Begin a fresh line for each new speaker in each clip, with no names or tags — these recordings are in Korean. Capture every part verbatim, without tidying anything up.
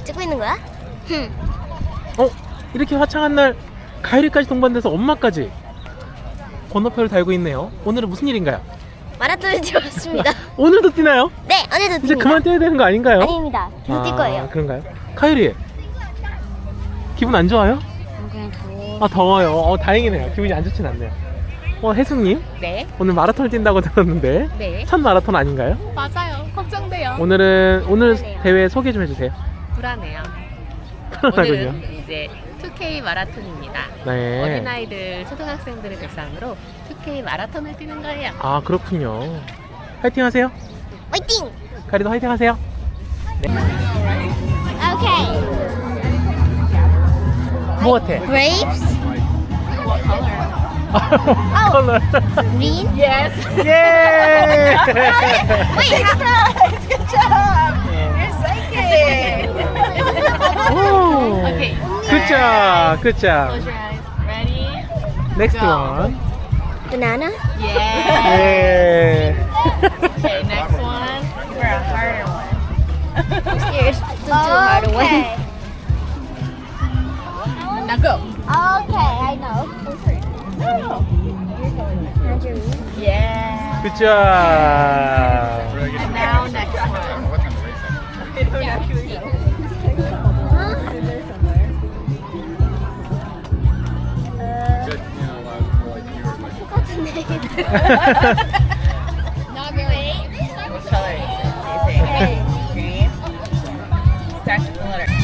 찍고 있는 거야? 흠.
어? 이렇게 화창한 날 가이리까지 동반돼서 엄마까지 번호표를 달고 있네요. 오늘은 무슨 일인가요?
마라톤을 뛰었습니다.
오늘도 뛰나요?
네, 오늘도
이제
뜁니다.
그만 뛰어야 되는 거 아닌가요?
아닙니다. 계속 뛸 거예요.
그런가요? 카이리 기분 안 좋아요?
그냥 더워.
아 더워요. 어 다행이네요. 기분이 안 좋진 않네요. 어 혜숙님
네,
오늘 마라톤을 뛴다고 들었는데
네,
첫 마라톤 아닌가요?
맞아요. 걱정돼요.
오늘은 오늘
불안해요.
대회 소개 좀 해주세요.
불안해요.
불안하군요.
오늘은 이제 투 케이 마라톤입니다.
네.
어린아이들, 초등학생들을 대상으로 투 케이 마라톤을 뛰는 거예요.
아 그렇군요. 화이팅 하세요.
화이팅!
카리도 화이팅 하세요.
오케이.
뭐 같아?
Grapes,
컬러.
green.
Yes.
예.
Wait, how?
Good job. You're psychic.
오.
Okay.
Good job. Good job.
Close your eyes. Ready?
Next
Go.
one.
Banana.
Yeah.
예.
Okay, next one. For a harder one.
I'm scared. It's too hard to win.
Now go.
Okay, I know.
Yeah.
Good job.
And now next one.
Not really.
What color is it? Do you think? Green. Starts with the letter.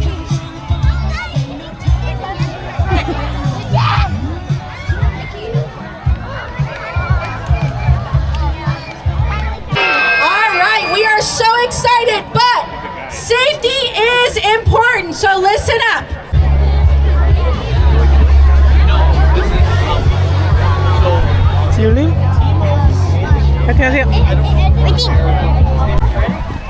All right, we are so excited, but safety is important, so listen up.
지율님 화이팅 하세요.
화이팅!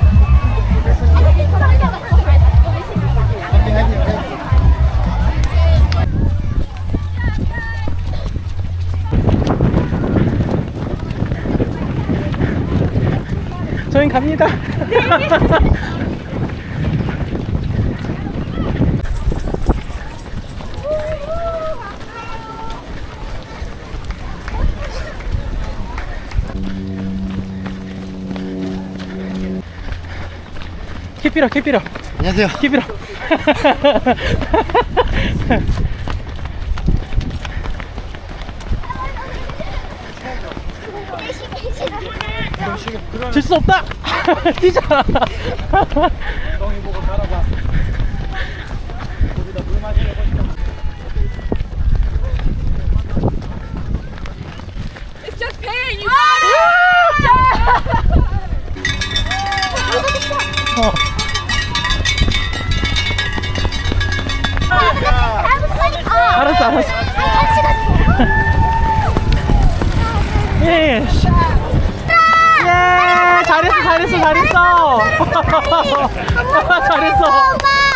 저희 갑니다. 캐피라 캐피라
안녕하세요.
캐피라. 질 수 없다. 뛰자.
It's just pain. You
어. 알았어 알았어. 예. 예. 잘했어 잘했어 잘했어. 잘했어.